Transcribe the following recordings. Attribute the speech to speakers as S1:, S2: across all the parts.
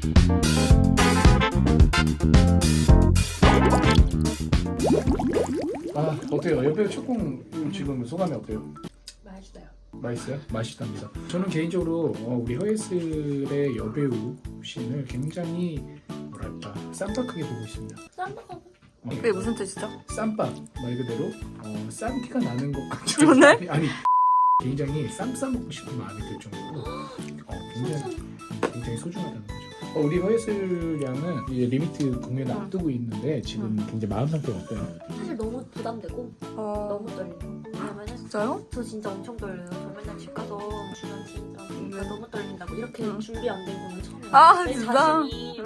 S1: 아 어때요? 여배우 첫공 지금 소감이 어때요?
S2: 맛있어요.
S1: 맛있어요? 맛있답니다. 저는 개인적으로 우리 허예슬의 여배우 씬을 굉장히 뭐랄까 쌈박하게 보고 있습니다.
S2: 쌈박하고?
S3: 그게 무슨 뜻이죠?
S1: 쌈박 말 그대로 싼 티가 나는 것 같죠?
S3: 네?
S1: 아니 굉장히 쌈 싸먹고 싶은 마음이 들 정도로 굉장히 소중하다는 거죠. 우리 허예슬 양은 이제 리미트 공연을 앞두고 있는데 지금 굉장히 마음 상태가 어때요?
S2: 사실 너무 부담되고 너무 떨려요. 왜냐면은
S3: 진짜요?
S2: 저 진짜 엄청 떨려요. 저 맨날 집 가서 주변 진짜 너무 떨린다고 이렇게 준비 안 된 거는 처음이에요.
S3: 아
S2: 내
S3: 진짜?
S2: 자신이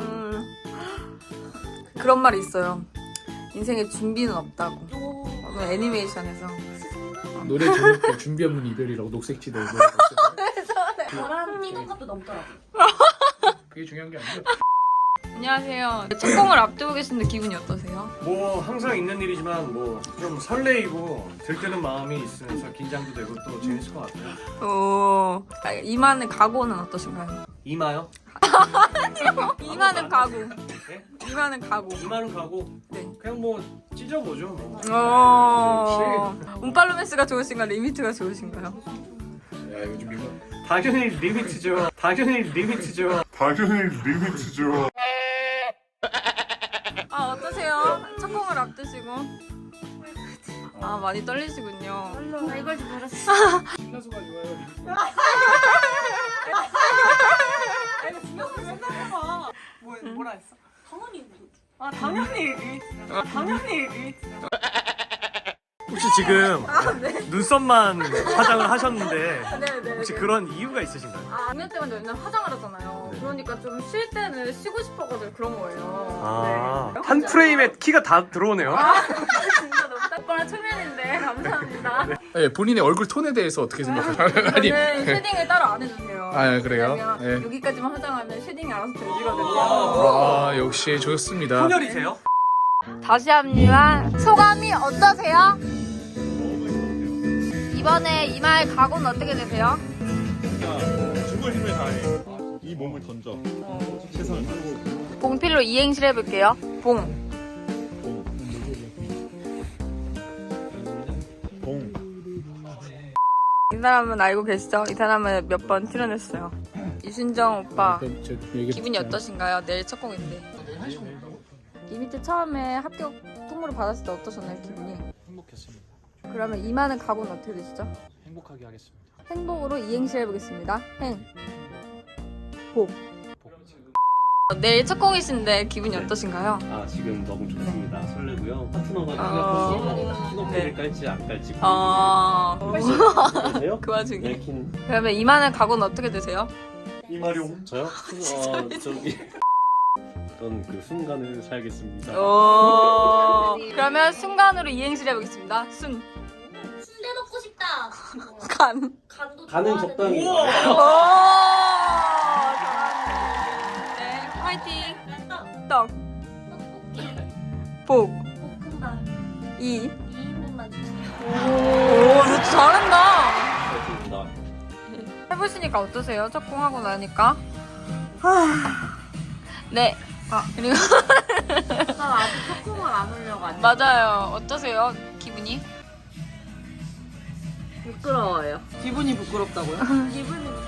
S3: 그런 말이 있어요. 인생에 준비는 없다고.
S2: 오,
S3: 애니메이션에서.
S1: 노래 제목도 준비 없는 이별이라고 녹색지대 노래가 있어요.
S2: 저랑 뛰는 것도 넘더라고요.
S1: 그게 중요한 게 아니고
S3: 안녕하세요. 첫 공을 앞두고 계신데 기분이 어떠세요?
S4: 뭐 항상 있는 일이지만 뭐 좀 설레이고 들뜨는 마음이 있으면서 긴장도 되고 또 재밌을 것 같아요.
S3: 오. 이만의 각오는 어떠신가요?
S4: 이마요?
S3: 이만은 각오.
S4: 네?
S3: 이만은 각오.
S4: 이마는 가고
S3: 네.
S4: 그냥 뭐 찢어보죠 뭐.
S3: 운팔로맨스가 좋으신가요? 리미트가 좋으신가요?
S1: 야 요즘 이거
S4: 당연히 리미트죠. 당연히 리미트죠.
S3: 아 어떠세요? 첫 공을 앞두시고. 아 많이 떨리시군요.
S2: 나 이걸 좀 알았어.
S1: 신나수가 좋아요 리미트.
S3: 뭐라 했어?
S2: 당연히
S3: 당연히 리미트. 당연히 리미트.
S4: 혹시 지금 눈썹만 화장을 하셨는데
S3: 네네.
S4: 혹시 그런 이유가 있으신가요?
S3: 공연 때문에 맨날 화장을 하잖아요. 그러니까 좀 쉴 때는 쉬고 싶어가지고 그런 거예요.
S4: 아,
S3: 네.
S4: 한 프레임에 키가 다 들어오네요.
S3: 진짜 너무 딱뻔한 초면인데 감사합니다.
S1: 네, 본인의 얼굴 톤에 대해서 어떻게 생각하세요? 아니
S3: 저는 쉐딩을 따로 안 해주세요.
S1: 아, 그래요?
S3: 왜냐면
S1: 네.
S3: 여기까지만 화장하면 쉐딩이 알아서 되지거든요.
S1: 아 역시 좋습니다.
S4: 혼혈이세요?
S3: 다시 합니다. 소감이 어떠세요? 이번에 이마에 각오는 어떻게 되세요?
S5: 죽을 힘을 다해 이 몸을 던져 최선을 다해.
S3: 봉필로 이행실 해볼게요. 봉.
S5: 봉.
S3: 이 사람은 알고 계시죠? 이 사람은 몇 번 출연했어요. 이순정 오빠. 기분이 어떠신가요? 내일 첫 공인데. 리미트 처음에 합격 통보를 받았을 때 어떠셨나요? 기분이?
S6: 행복했습니다.
S3: 그러면 이마는 각오는 어떻게 되시죠?
S6: 행복하게 하겠습니다.
S3: 행복으로 이행시 해보겠습니다. 행. 복.
S6: 복지.
S3: 내일 첫 공이신데 기분이 어떠신가요?
S7: 아 지금 너무 좋습니다. 설레고요. 파트너가
S3: 아.
S7: 생각해서 신호피를
S3: 네.
S7: 깔지 안 깔지 보세요.
S3: 그 와중에.
S7: 네킨
S3: 그러면 이마는 각오는 어떻게 되세요?
S7: 이마룡 저요? 저기 어떤 그 순간을 살겠습니다.
S3: 그러면 순간으로 이행시를 해보겠습니다. 순.
S2: 순대 먹고 싶다.
S3: 간.
S2: 간도
S7: 가는
S2: 좋아하는데.
S7: 적당히.
S3: 오! 잘하네. 네, 화이팅. 떡.
S2: 떡볶이.
S3: 복.
S2: 볶음밥.
S3: 2.
S2: 2인분만 주세요.
S3: 오, 너 잘한다.
S7: 그렇습니다.
S3: 해보시니까 어떠세요? 첫 공하고 나니까? 네. 그리고
S2: 나 아직 초코만 안 올려고 안
S3: 맞아요. 어떠세요? 기분이?
S2: 부끄러워요.
S3: 기분이 부끄럽다고요?
S2: 기분이